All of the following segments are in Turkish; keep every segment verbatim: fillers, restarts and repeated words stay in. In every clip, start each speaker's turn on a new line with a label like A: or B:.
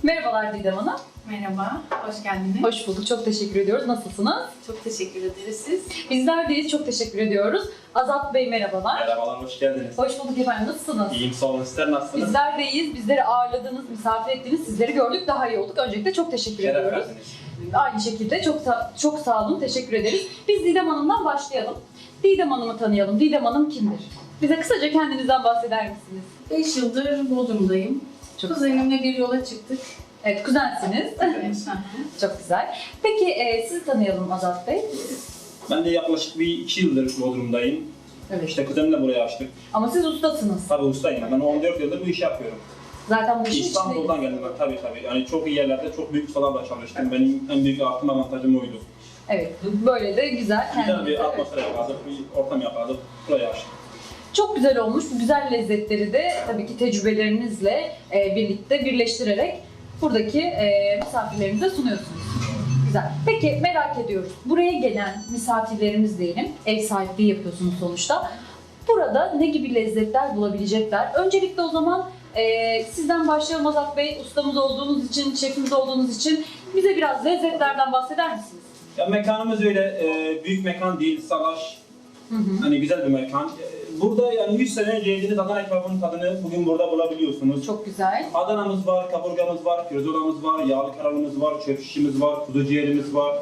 A: Merhabalar Didem Hanım.
B: Merhaba, hoş geldiniz.
A: Hoş bulduk, çok teşekkür ediyoruz. Nasılsınız?
B: Çok teşekkür ederiz siz.
A: Bizler deyiz, çok teşekkür ediyoruz. Azat Bey merhabalar.
C: Merhabalar, hoş geldiniz.
A: Hoş bulduk efendim, nasılsınız?
C: İyiyim, sağ olun. Sizler nasılsınız?
A: Bizler deyiz, bizleri ağırladınız, misafir ettiniz, sizleri gördük, daha iyi olduk. Öncelikle çok teşekkür
C: Şeref
A: ediyoruz.
C: verdiniz.
A: Aynı şekilde çok sa- çok sağ olun, teşekkür ederiz. Biz Didem Hanım'dan başlayalım. Didem Hanım'ı tanıyalım. Didem Hanım kimdir? Bize kısaca kendinizden bahseder misiniz?
B: beş yıldır Bodrum'dayım.
A: Çok
B: Kuzenimle bir yola çıktık.
A: Evet, kuzensiniz.
B: Evet.
A: Çok güzel. Peki e, sizi tanıyalım Azat Bey.
C: Ben de yaklaşık bir iki yıldır Bodrum'dayım.
A: Evet.
C: İşte kuzenimle buraya açtık.
A: Ama siz ustasınız.
C: Tabii ustayım. Ben on dört yıldır bu işi yapıyorum.
A: Zaten bu işin
C: İstanbul'dan
A: içindeyiz.
C: geldim ben, tabii tabii. Yani çok iyi yerlerde, çok büyük ustalarla çalıştım. Benim en büyük artım, avantajım oydu.
A: Evet, böyle de güzel.
C: Güzel
A: kendinize-
C: bir atmosfer yakaladık, bir ortam yakaladık. Buraya açtık.
A: Çok güzel olmuş. Bu güzel lezzetleri de tabii ki tecrübelerinizle e, birlikte birleştirerek buradaki e, misafirlerimize sunuyorsunuz. Güzel. Peki merak ediyoruz. Buraya gelen misafirlerimiz diyelim, ev sahipliği yapıyorsunuz sonuçta. Burada ne gibi lezzetler bulabilecekler? Öncelikle o zaman e, sizden başlayalım Azat Bey. Ustamız olduğunuz için, şefimiz olduğunuz için bize biraz lezzetlerden bahseder misiniz?
C: Ya mekanımız öyle e, büyük mekan değil, salaş.
A: Hı hı.
C: Hani güzel bir mekan. E, Burada yani yüz sene önce yediğiniz Adana kebabının tadını bugün burada bulabiliyorsunuz.
A: Çok güzel.
C: Adana'mız var, kaburgamız var, pirzolamız var, yağlı karalımız var, çöp şişimiz var, kuzu ciğerimiz var.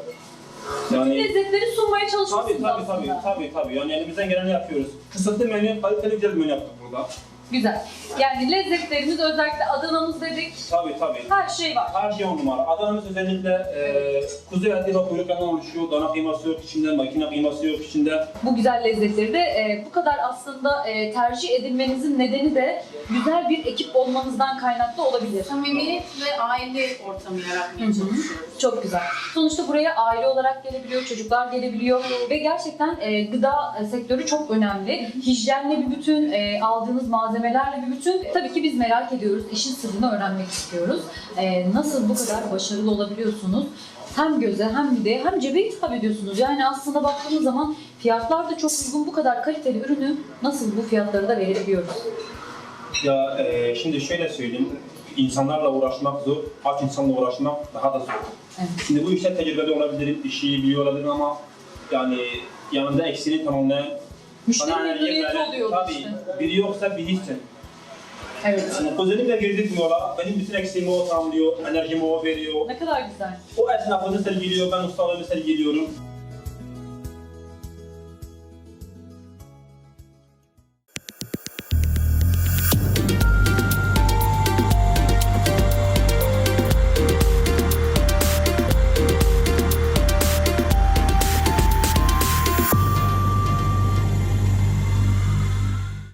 C: Yani
A: Lezzetleri sunmaya
C: tabii
A: çalışmışsınız
C: tabii
A: aslında.
C: tabii tabii tabii. Yani elimizden geleni yapıyoruz. Kısıtlı menü, kaliteli güzel bir menü yaptık burada.
A: Güzel. Yani lezzetlerimiz özellikle Adana'mız dedik.
C: Tabii tabii.
A: Her şey var.
C: Her şey on numara. Adana'mız özellikle e, kuzu eti ve kuyruklarından oluşuyor. Dana kıyması yok içinde, makine kıyması yok içinde.
A: Bu güzel lezzetleri de e, bu kadar aslında e, tercih edilmenizin nedeni de güzel bir ekip olmanızdan kaynaklı olabilir.
B: Samimiyet ve aile ortamı yaratmaya
A: Hı hı.
B: çalışıyoruz.
A: Çok güzel. Sonuçta buraya aile olarak gelebiliyor, çocuklar gelebiliyor ve gerçekten e, gıda e, sektörü çok önemli. Hijyenle bir bütün, e, aldığınız malzemelerle bir bütün. Tabii ki biz merak ediyoruz, işin sırrını öğrenmek istiyoruz. E, nasıl bu kadar başarılı olabiliyorsunuz? Hem göze hem mideye hem cebe hitap ediyorsunuz. Yani aslında baktığımız zaman fiyatlar da çok uygun. Bu kadar kaliteli ürünü nasıl bu fiyatları da verebiliyoruz?
C: Ya e, şimdi şöyle söyleyeyim. İnsanlarla uğraşmak zor, aç insanla uğraşmak daha da zor.
A: Evet.
C: Şimdi bu işte tecrübeli olabilirim, işi iyi biliyor olabilirim ama yani yanında eksiğini tamamlayan
A: Müşteri
C: bana
A: memnuniyeti
C: yerlere-
A: oluyor
C: tabii,
A: işte.
C: biri yoksa bir hiçsin.
A: Evet.
C: Yani kuzenimle girdik bu yola, benim bütün eksiğimi o tamamlıyor, enerjimi o veriyor.
A: Ne kadar güzel.
C: O esnafını sergiliyor, ben ustalığımı sergiliyorum.